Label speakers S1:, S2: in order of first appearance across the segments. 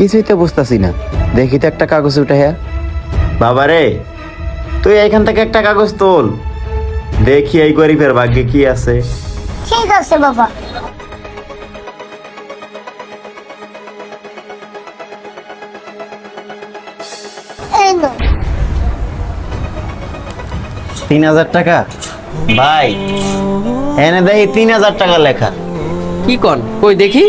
S1: কিছুই তো বুঝতেছি না। দেখি তো একটা কাগজ উঠে। হ্যাঁ বাবা রে, তুই এখান থেকে একটা কাগজ তোল, দেখি এই গরিবের ভাগ্যে কি আছে।
S2: ঠিক আছে বাবা। এই নাও।
S1: 3000 টাকা ভাই, এনে দেখি 3000 টাকা লেখা।
S3: কি কন কই দেখি।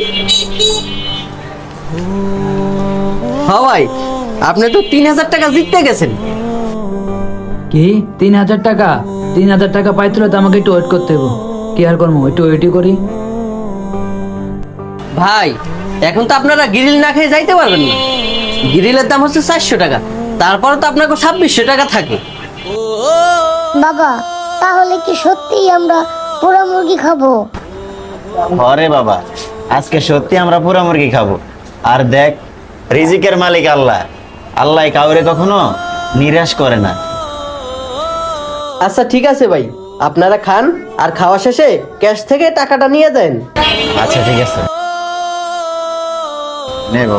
S3: হ্যাঁ ভাই, আপনি তো 3000 টাকা জিততে গেছেন।
S4: কি 3000 টাকা? 3000 টাকা পাইছিল তো আমাকে একটু ওয়েট করতে হবে। কি আর করবো, একটু ওয়েটই করি।
S3: ভাই এখন তো আপনারা গ্রিল না খেয়ে যাইতে পারবেন না। গ্রিলের দাম হচ্ছে 400 টাকা, তারপরে তো আপনাকে 2600 টাকা থাকে।
S2: বাবা, তাহলে কি সত্যিই আমরা পোড়া মুরগি খাবো?
S1: ঘরে বাবা, আজকে সত্যি আমরা পুরা মুরগি খাবো। আর দেখ, রিজিকের মালিক আল্লাহ, আল্লাহ কাউরে কখনো নিরাশ করে না।
S3: আচ্ছা ঠিক আছে ভাই, আপনারা খান আর খাওয়া শেষে ক্যাশ থেকে টাকাটা নিয়ে দেন।
S1: আচ্ছা ঠিক আছে, নেব।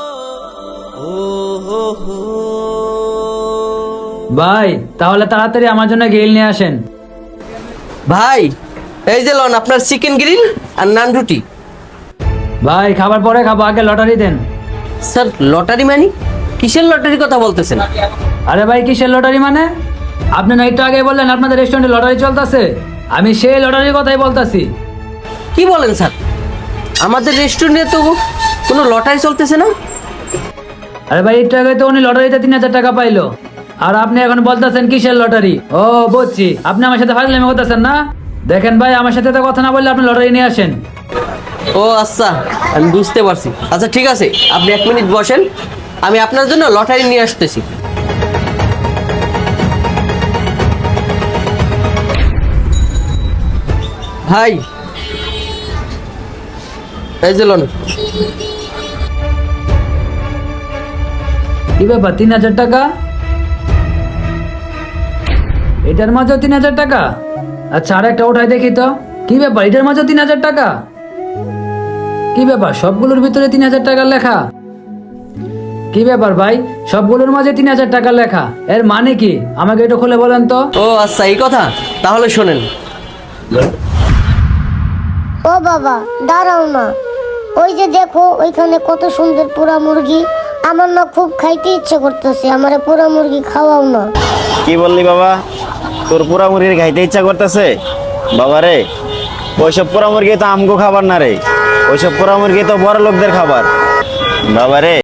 S4: ভাই তাহলে তাড়াতাড়ি আমার জন্য গ্রিল নিয়ে আসেন।
S3: ভাই এই যে লন আপনার চিকেন গ্রিল আর নান রুটি।
S4: ভাই খাবার পরে খাবো, আগে লটারি দেন।
S3: স্যার লটারি মানে? কিসের লটারির কথা বলতেছেন?
S4: আরে ভাই কিসের লটারি মানে? আপনি না একটু আগে বললেন আপনাদের রেস্টুরেন্টে লটারি চলতেছে, আমি সেই লটারির কথাই বলতাছি।
S3: কি বলেন স্যার? আমাদের রেস্টুরেন্টে তো কোনো লটারি চলতেছে না।
S4: আরে ভাই একটু আগে তো উনি লটারিতে 3000 টাকা পাইলো, আর আপনি এখন বলতেছেন কিসের লটারি? ও বুঝছি, আপনি আমার সাথে ফাজলামি করতেছেন না। দেখেন ভাই, আমার সাথে তো কথা না বললে আপনি লটারি নিয়ে আসেন।
S3: ও আচ্ছা, আমি বুঝতে পারছি। আচ্ছা ঠিক আছে, আপনি 1 মিনিট বসেন, আমি আপনার জন্য লটারি নিয়ে আসতেছি। ভাই এই যে লোন।
S4: কি ব্যাপার, 3000 টাকা? এটার মাঝেও 3000 টাকা? আচ্ছা আর একটা উঠাই দেখি তো। কি ব্যাপার, এটার মাঝেও 3000 টাকা? কি ব্যাপার, সবগুলোর ভিতরে 3000 টাকা লেখা? কি ব্যাপার ভাই, সবগুলোর মাঝে 3000 টাকা লেখা, এর মানে কি? আমাকে একটু খুলে বলেন তো।
S3: ও আচ্ছা এই কথা, তাহলে শোনেন।
S2: ও বাবা, দাঁড়াও না। ওই যে দেখো, ওইখানে কত সুন্দর পোড়া মুরগি। আমার না খুব খাইতে ইচ্ছে করতেছে, আমারে পোড়া মুরগি খাওয়াও না।
S1: কি বললি বাবা, তোর পুরা মুরগির খাইতে ইচ্ছা করতেছে? বাবা রে, ওইসব পোড়া মুরগি তো আমগো খাবার না রে, ওইসব পোড়া মুরগি তো বড় লোকদের খাবার। বাবা রে।